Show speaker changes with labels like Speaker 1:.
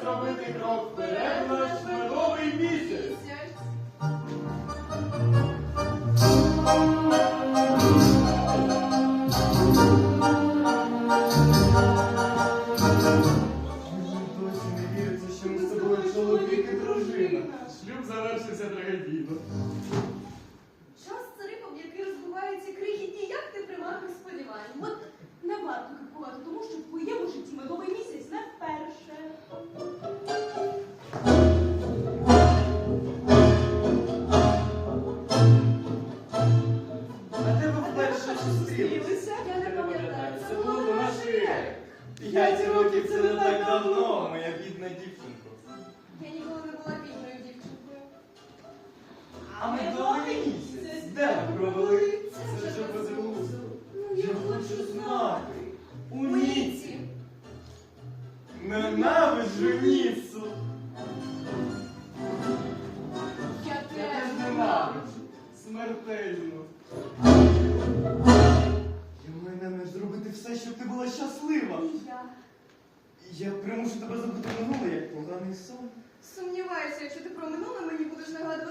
Speaker 1: зробити крок вперед в наш медовий місяць. Досі не віриться, що ми з тобою чоловік і дружина. Шлюб завершився трагедійно.
Speaker 2: Час це рибам, який розбиваються крихітні, як ти примарних сподівань. От не варто кипкувати, тому що в твоєму житті медовий місяць не вперше.
Speaker 1: А де ви вперше зустрілися?
Speaker 2: Я не пам'ятаю.
Speaker 1: Це було до нашої ери. 5 років це не так давно, моя бідна дівчинко.
Speaker 2: Я ніколи не була бідною дівчинкою.
Speaker 1: А медовий місяць? Де ви провели? Це вже безглуздо. Я хочу знати. У Ніці. Ненавиджу Ніцу.
Speaker 2: Я
Speaker 1: Я
Speaker 2: теж
Speaker 1: теж ненавиджу. Смертельно. Я маю зробити все, щоб ти була щаслива.
Speaker 2: І я.
Speaker 1: Я примушу тебе забути минуле, як поганий сон.
Speaker 2: Сумніваюся, якщо ти про минуле мені будеш нагадувати